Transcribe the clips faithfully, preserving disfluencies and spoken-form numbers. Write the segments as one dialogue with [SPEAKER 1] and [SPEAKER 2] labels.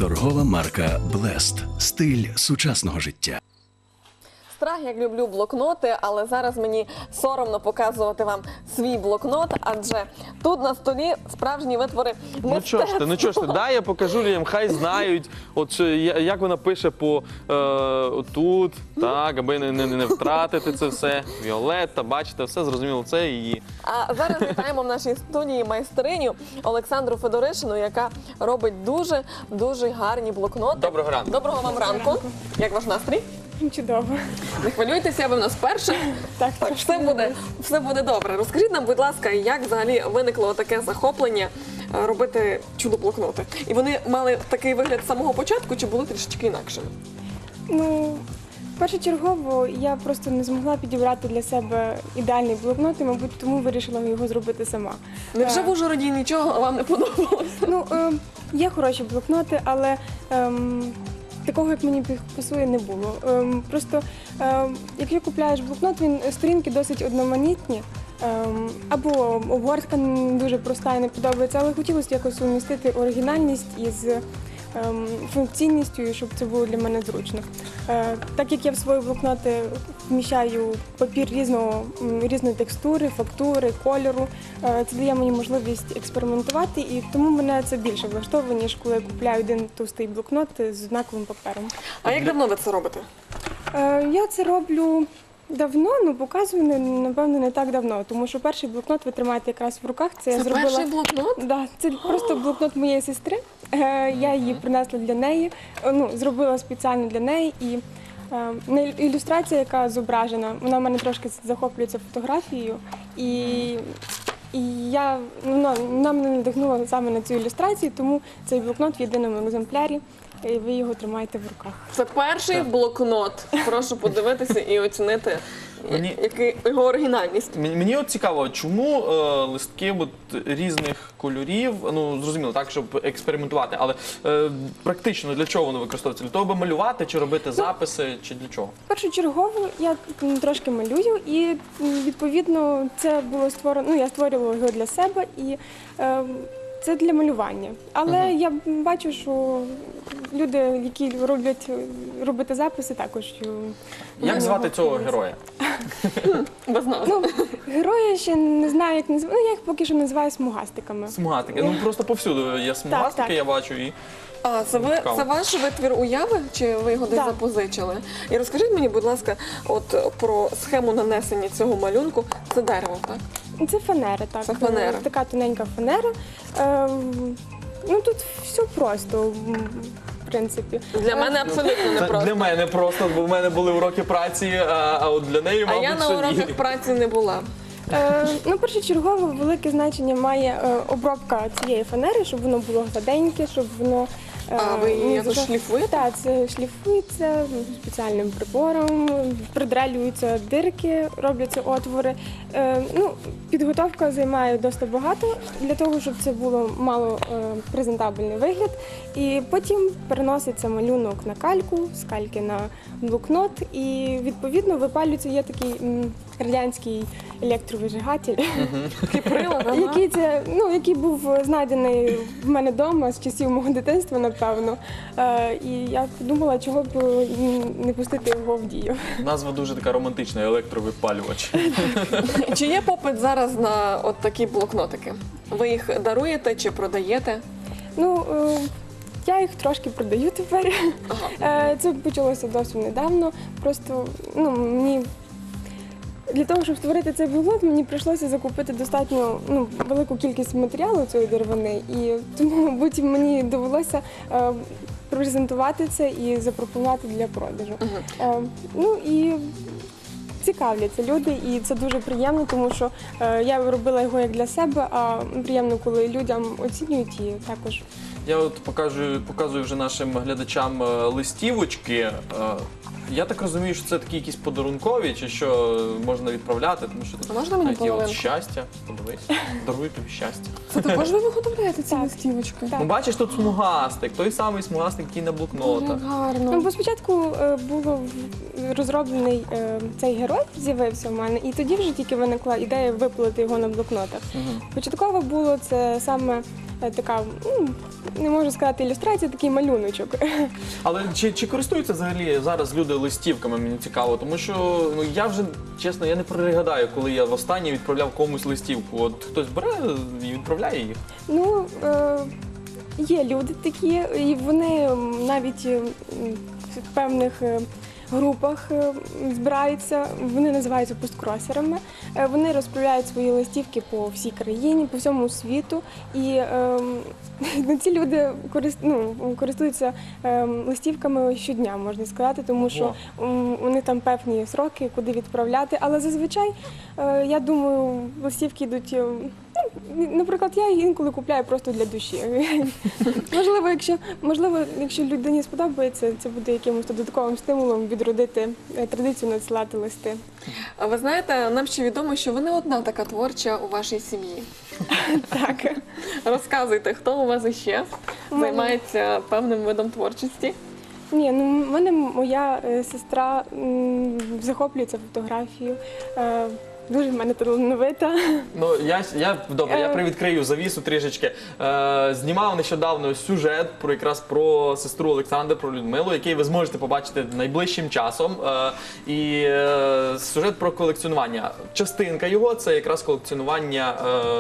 [SPEAKER 1] Торгова марка Blessed. Стиль сучасного життя.
[SPEAKER 2] Страх, як люблю блокноти, але зараз мені соромно показувати вам свій блокнот, адже тут на столі справжні витвори
[SPEAKER 3] Ну чого ж ти, ну чого ж ти, дай я покажу людям, хай знають, от що, я- як вона пише по е, тут, так, аби не, не, не втратити це все. Віолетта, бачите, все зрозуміло, це її.
[SPEAKER 2] А зараз вітаємо в нашій студії майстриню Олександру Федоришину, яка робить дуже-дуже гарні блокноти.
[SPEAKER 3] Доброго ранку.
[SPEAKER 2] Доброго вам ранку. Як ваш настрій?
[SPEAKER 4] Чудово.
[SPEAKER 2] Не хвилюйтеся, ви в нас вперше.
[SPEAKER 4] Так,
[SPEAKER 2] Так,
[SPEAKER 4] трошки
[SPEAKER 2] все буде, все буде добре. Розкажіть нам, будь ласка, як взагалі виникло таке захоплення е, робити чудо-блокноти? І вони мали такий вигляд з самого початку, чи були трішечки інакшими?
[SPEAKER 4] Ну, першочергово я просто не змогла підібрати для себе ідеальний блокнот, і, мабуть, тому вирішила його зробити сама.
[SPEAKER 2] Невже
[SPEAKER 4] Е,
[SPEAKER 2] в Ужгороді нічого вам не подобалося?
[SPEAKER 4] Ну, е, є хороші блокноти, але ем, такого, як мені пасує, не було. Ем, просто, ем, якщо купляєш блокнот, він сторінки досить одноманітні, ем, або обгортка не дуже проста і не подобається, але хотілося якось сумістити оригінальність із ем, функційністю, і щоб це було для мене зручно. Е, так як я в свої блокноти вміщаю папір різного, м, різної текстури, фактури, кольору, е, це дає мені можливість експериментувати, і тому мене це більше влаштовує, ніж коли я купляю один товстий блокнот з однаковим папером.
[SPEAKER 2] А як давно ви це робите?
[SPEAKER 4] Е, я це роблю давно, ну показую, не- напевно, не так давно, тому що перший блокнот ви тримаєте якраз в руках. Це, я
[SPEAKER 2] Це
[SPEAKER 4] зробила...
[SPEAKER 2] перший блокнот?
[SPEAKER 4] Да, це просто блокнот моєї сестри. Е, Я її принесла для неї, е, ну, зробила спеціально для неї. І е, на ілю- ілюстрація, яка зображена, вона в мене трошки захоплюється фотографією. І, і я, ну, вона, вона мене надихнула саме на цю ілюстрацію, тому цей блокнот в єдиному екземплярі, і ви його тримаєте в руках.
[SPEAKER 2] Це перший блокнот. Прошу подивитися і оцінити
[SPEAKER 3] Мені-
[SPEAKER 2] який, його оригінальність.
[SPEAKER 3] Мені, мені от цікаво, чому е, листки от, різних кольорів, ну зрозуміло, так, щоб експериментувати, але е, практично для чого воно використовується? Для того, аби малювати, чи робити записи, чи для чого?
[SPEAKER 4] Першочергово я м, трошки малюю, і м, відповідно це було створено. Ну я створювала його для себе, і е, це для малювання. Але я бачу, що люди, які роблять робити записи, також е,
[SPEAKER 3] Як
[SPEAKER 4] на
[SPEAKER 3] звати
[SPEAKER 4] нього
[SPEAKER 3] цього
[SPEAKER 4] хвилюються.
[SPEAKER 3] героя?
[SPEAKER 2] Без нас.
[SPEAKER 4] Ну, героя ще не знаю, як називаю. Ну я їх поки що називаю смугастиками.
[SPEAKER 3] Смугастики. Ну просто повсюди є смугастики,
[SPEAKER 4] так.
[SPEAKER 3] я бачу, і
[SPEAKER 2] А це ви
[SPEAKER 3] Цікаво.
[SPEAKER 2] це ваш витвір уяви, чи ви його десь
[SPEAKER 4] Так.
[SPEAKER 2] запозичили? І розкажіть мені, будь ласка, от про схему нанесення цього малюнку. Це дерево, так?
[SPEAKER 4] Це фанера, так.
[SPEAKER 2] Це фанера.
[SPEAKER 4] Така тоненька фанера. Е, ну тут все просто, м, в принципі.
[SPEAKER 2] Для мене абсолютно не
[SPEAKER 3] це
[SPEAKER 2] просто.
[SPEAKER 3] для мене просто, бо в мене були уроки праці, а, а от для неї,
[SPEAKER 2] А
[SPEAKER 3] мабуть,
[SPEAKER 2] я на
[SPEAKER 3] що ні.
[SPEAKER 2] уроках праці не була.
[SPEAKER 4] Е, ну, першочергово велике значення має е, обробка цієї фанери, щоб воно було гладеньке, щоб воно. е,
[SPEAKER 2] А ви її
[SPEAKER 4] не
[SPEAKER 2] якось
[SPEAKER 4] зажа-
[SPEAKER 2] шліфуєте?
[SPEAKER 4] Так, це шліфується спеціальним прибором, придрелюються дирки, робляться отвори. Е, ну, підготовка займає досить багато для того, щоб це було мало е, презентабельний вигляд. І потім переноситься малюнок на кальку, з кальки на блокнот, і відповідно випалюється, є такий м, радянський електровижигатель,
[SPEAKER 2] Кіприла, ага.
[SPEAKER 4] який це, ну, який був знайдений в мене вдома з часів мого дитинства, напевно. Е, і я подумала, чого б не пустити його в дію.
[SPEAKER 3] Назва дуже така романтична, електровипалювач.
[SPEAKER 2] Чи є попит зараз на от такі блокнотики? Ви їх даруєте чи продаєте?
[SPEAKER 4] Ну, е, я їх трошки продаю тепер. Е, Це почалося досить недавно. Просто ну, мені для того, щоб створити цей блокнот, мені прийшлося закупити достатньо ну, велику кількість матеріалу цієї деревини, і тому, мабуть, мені довелося е, презентувати це і запропонувати для продажу. Е, ну і цікавляться люди, і це дуже приємно, тому що е, я робила його як для себе, а приємно, коли людям оцінюють і також.
[SPEAKER 3] Я от покажу, показую вже нашим глядачам е, листівочки. Е, Я так розумію, що це такі якісь подарункові, чи що можна відправляти, тому що тут
[SPEAKER 2] А можна мені
[SPEAKER 3] навіть є от
[SPEAKER 2] половинку?
[SPEAKER 3] щастя. Подивись, даруй тобі щастя.
[SPEAKER 2] Це також ви виготовляєте ці
[SPEAKER 4] Так.
[SPEAKER 2] листівочки?
[SPEAKER 4] Так.
[SPEAKER 3] Ну бачиш, тут смугастик, той самий смугастик, який на блокнотах.
[SPEAKER 2] Як гарно.
[SPEAKER 4] Ну, бо спочатку е, було в- розроблений е, цей герой, з'явився в мене, і тоді вже тільки виникла ідея випилити його на блокнотах.
[SPEAKER 3] Мгм.
[SPEAKER 4] Початково було це саме е, така, ну, не можу сказати ілюстрація, такий малюночок.
[SPEAKER 3] Але чи, чи користуються взагалі зараз люди листівками, мені цікаво, тому що ну я вже чесно, я не пригадаю, коли я востаннє відправляв комусь листівку. От хтось бере і відправляє їх.
[SPEAKER 4] Ну, е, є люди такі, і вони м, навіть е, м, в певних е, групах е, збираються, вони називаються посткросерами. Е, Вони розправляють свої листівки по всій країні, по всьому світу. І е, ну, ці люди корист, ну, користуються е, листівками щодня, можна сказати, тому що м, вони там певні сроки, куди відправляти. Але зазвичай, е, я думаю, листівки йдуть. е, Ну, наприклад, я їх інколи купляю просто для душі. Можливо, якщо, можливо, якщо людині сподобається, це буде якимось додатковим стимулом відродити е, традицію надсилати листи.
[SPEAKER 2] А ви знаєте, нам ще відомо, що ви не одна така творча у вашій сім'ї.
[SPEAKER 4] Так.
[SPEAKER 2] Розказуйте, хто у вас іще
[SPEAKER 4] У мене-
[SPEAKER 2] займається певним видом творчості?
[SPEAKER 4] Ні, ну в мене моя е, сестра м, захоплюється фотографією. Е, Дуже в мене талановита.
[SPEAKER 3] Ну я я добре, я
[SPEAKER 4] Е.
[SPEAKER 3] привідкрию завісу трішечки. Е, знімав нещодавно сюжет про якраз про сестру Олександру, про Людмилу, який ви зможете побачити найближчим часом. Е, і е, сюжет про колекціонування. Частинка його це якраз колекціонування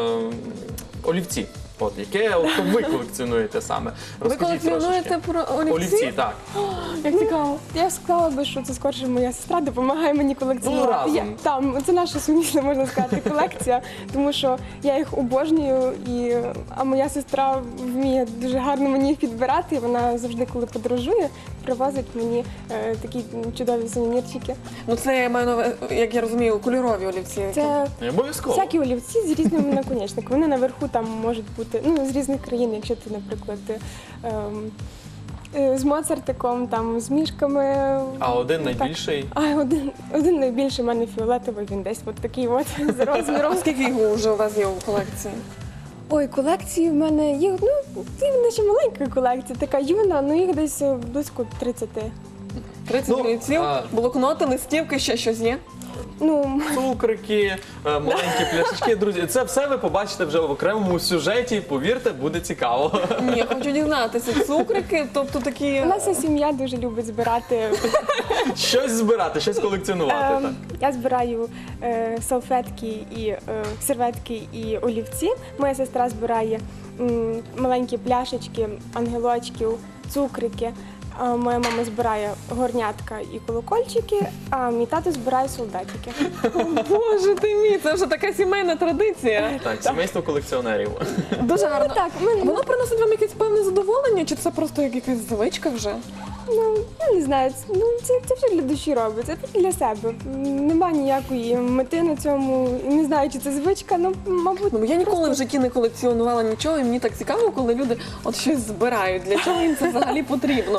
[SPEAKER 3] е, олівці. От яке от, ви колекціонуєте саме?
[SPEAKER 2] Ви
[SPEAKER 3] Розкажіть
[SPEAKER 2] колекціонуєте
[SPEAKER 3] трошечки.
[SPEAKER 2] про олівці?
[SPEAKER 3] Олівці, так.
[SPEAKER 2] Як цікаво.
[SPEAKER 4] Я сказала би, що це скорше моя сестра допомагає мені колекціонувати.
[SPEAKER 3] Ну, разом.
[SPEAKER 4] Я, там, це наша сумісна, можна сказати, колекція, тому що я їх обожнюю, і, а моя сестра вміє дуже гарно мені їх підбирати. І вона завжди, коли подорожує, привозить мені е, такі чудові сувенірчики.
[SPEAKER 2] Ну це я маю на увазі, як я розумію, кольорові олівці.
[SPEAKER 4] Це
[SPEAKER 3] Не обов'язково.
[SPEAKER 4] всякі олівці з різними наконечниками. Вони наверху там можуть бути ну, з різних країн, якщо ти, наприклад, ем, е, з Моцартиком, там, з мішками.
[SPEAKER 3] А один
[SPEAKER 4] Так.
[SPEAKER 3] найбільший.
[SPEAKER 4] А один, один найбільший в мене фіолетовий, він десь от такий от з розміром.
[SPEAKER 2] Скільки його вже у вас є у колекції?
[SPEAKER 4] Ой, колекції в мене є, ну, це наче маленька колекція, така юна, ну їх десь е, близько тридцяти.
[SPEAKER 2] тридцять
[SPEAKER 3] Ну,
[SPEAKER 2] олівців,
[SPEAKER 3] а-
[SPEAKER 2] блокноти, листівки, ще щось є?
[SPEAKER 4] Ну,
[SPEAKER 3] Цукрики, е, маленькі пляшечки, друзі. Це все ви побачите вже в окремому сюжеті. Повірте, буде цікаво.
[SPEAKER 2] Ні, хочу дізнатися. Цукрики, тобто такі...
[SPEAKER 4] у нас вся сім'я дуже любить збирати.
[SPEAKER 3] Щось збирати, щось колекціонувати.
[SPEAKER 4] Ем,
[SPEAKER 3] так.
[SPEAKER 4] Я збираю е, салфетки і е, серветки і олівці. Моя сестра збирає м, маленькі пляшечки, ангелочків, цукрики. А моя мама збирає горнятка і колокольчики, а мій тато збирає солдатики.
[SPEAKER 2] Боже ти мій, це вже така сімейна традиція.
[SPEAKER 3] Так, сімейство колекціонерів.
[SPEAKER 2] Дуже гарно.
[SPEAKER 4] Так, ми,
[SPEAKER 2] Воно приносить вам якесь певне задоволення, чи це просто як якась звичка вже?
[SPEAKER 4] ну, я не знаю, це- ну, це, це все для душі робиться, це для себе. М, Нема ніякої мети на цьому, і не знаю, чи це звичка, ну, мабуть.
[SPEAKER 2] Ну, я ніколи в
[SPEAKER 4] просто-
[SPEAKER 2] житті не колекціонувала нічого, і мені так цікаво, коли люди от щось збирають. Для чого їм це взагалі потрібно?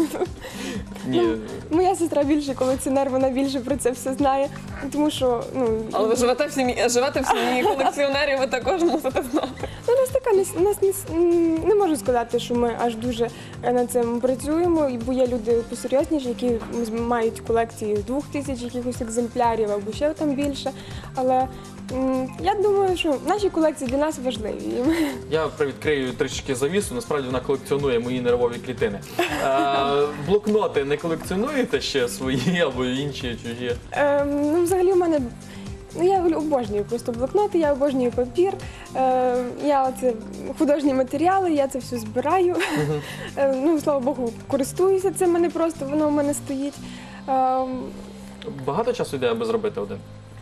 [SPEAKER 3] Ні.
[SPEAKER 4] Моя сестра більше колекціонер, вона більше про це все знає, тому що, ну,
[SPEAKER 2] Але ви живете в сім'ї, живете в сім'ї колекціонерів, ви також мусите знати.
[SPEAKER 4] ну, у нас така не, у нас не, с- м, не можу сказати, що ми аж дуже е, над цим працюємо, і бо є люди посерйозніші, які з- мають колекції двох тисяч якихось екземплярів або ще там більше. Але м, я думаю, що наші колекції для нас важливі. І ми-
[SPEAKER 3] Я привідкрию трішки завісу, насправді вона колекціонує мої нервові клітини. Е, блокноти не колекціонуєте ще свої або інші чужі?
[SPEAKER 4] Ем, ну, взагалі, в мене. Ну, я обожнюю просто блокноти, я обожнюю папір. Е, я оце художні матеріали, я це все збираю. Е, ну, слава Богу, користуюся цим, мене просто воно в мене стоїть. Ем,
[SPEAKER 3] Багато часу йде, аби зробити один?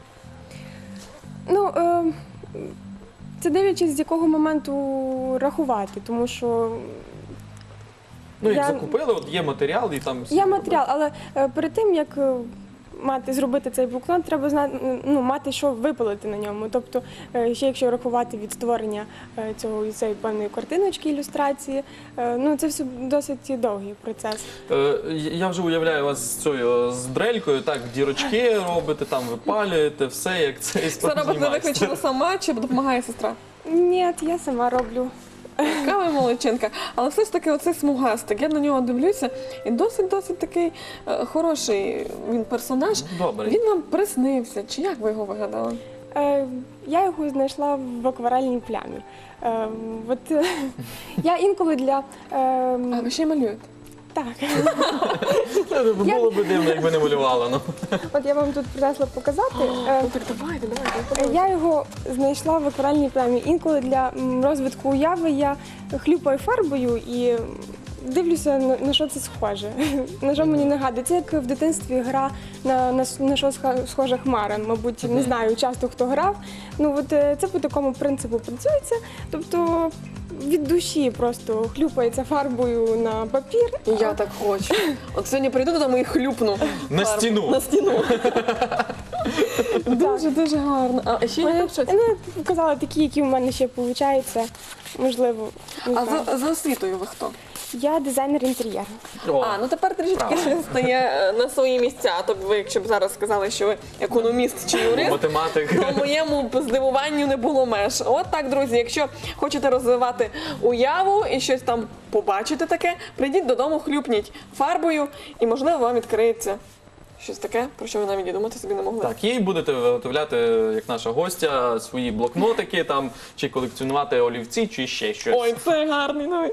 [SPEAKER 4] ну, е, це дивлячись, з якого моменту рахувати, тому що
[SPEAKER 3] Ну, як
[SPEAKER 4] Я-
[SPEAKER 3] закупили, от є матеріал і там... всі
[SPEAKER 4] є
[SPEAKER 3] робили.
[SPEAKER 4] матеріал, але е, перед тим, як е, мати зробити цей блокнот, треба знати, ну, мати, що випалити на ньому. Тобто, е, ще якщо рахувати від створення е, цього цієї певної картиночки, ілюстрації, е, ну це все досить довгий процес.
[SPEAKER 3] Е, Я вже уявляю вас з цією з дрелькою, так, дірочки робите, там випалюєте, все як це і
[SPEAKER 2] Це робите виключно сама чи допомагає сестра?
[SPEAKER 4] Ні, я сама роблю.
[SPEAKER 2] Яка ви молодчинка. Але все ж таки оцей смугастик, я на нього дивлюся, і досить-досить такий е, хороший він персонаж.
[SPEAKER 3] Добре.
[SPEAKER 2] Він вам приснився, чи як ви його вигадали?
[SPEAKER 4] Е, Я його знайшла в акварельній плямі. Е, От е, я інколи для е,
[SPEAKER 2] А ви ще й малюєте?
[SPEAKER 4] так,
[SPEAKER 3] Було б дивно, якби не малювала. Ну.
[SPEAKER 4] от я вам тут принесла показати. Е,
[SPEAKER 2] Ну так давайте, давайте.
[SPEAKER 4] Е,
[SPEAKER 2] подивимось.
[SPEAKER 4] Я його знайшла в акварельній плямі. Інколи для м, розвитку уяви я хлюпаю фарбою і дивлюся, на, на що це схоже. На що мені нагадує. Це як в дитинстві гра на, на, с- на що сха- схожа хмара. Мабуть, не знаю, часто хто грав. Ну от е, це по такому принципу працюється. Тобто від душі просто хлюпається фарбою на папір.
[SPEAKER 2] І я так хочу. От сьогодні прийду додому і хлюпну.
[SPEAKER 3] На
[SPEAKER 2] фарбу.
[SPEAKER 3] стіну.
[SPEAKER 2] На стіну. Дуже, дуже гарно. А ще є там щось?
[SPEAKER 4] Ну, я показала такі, які в мене ще виходить. Можливо, не
[SPEAKER 2] А
[SPEAKER 4] знаю.
[SPEAKER 2] за, за освітою ви хто?
[SPEAKER 4] Я дизайнер інтер'єру.
[SPEAKER 3] О,
[SPEAKER 2] А, ну тепер трішечки
[SPEAKER 3] Правильно.
[SPEAKER 2] все стає е, на свої місця. Тобто ви, якщо б зараз сказали, що ви економіст чи юрист,
[SPEAKER 3] математик.
[SPEAKER 2] то моєму б здивуванню не було меж. От так, друзі, якщо хочете розвивати уяву і щось там побачити таке, прийдіть додому, хлюпніть фарбою, і можливо вам відкриється щось таке, про що ви навіть і думати собі не могли.
[SPEAKER 3] Так, їй будете виготовляти, як наша гостя, свої блокнотики там, чи колекціонувати олівці, чи ще щось.
[SPEAKER 2] Ой, це гарний новий.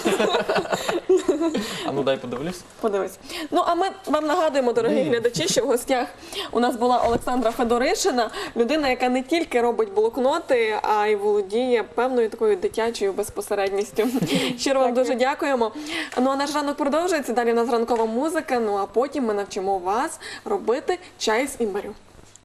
[SPEAKER 3] А ну дай подивлюсь.
[SPEAKER 2] Подивись. Ну а ми вам нагадуємо, дорогі глядачі, що в гостях у нас була Олександра Федоришина, людина, яка не тільки робить блокноти, а й володіє певною такою дитячою безпосередністю. Щиро вам дуже дякуємо. Ну а наш ранок продовжується. Далі у нас ранкова музика. Ну а потім ми навчимо вас робити чай з імбирю.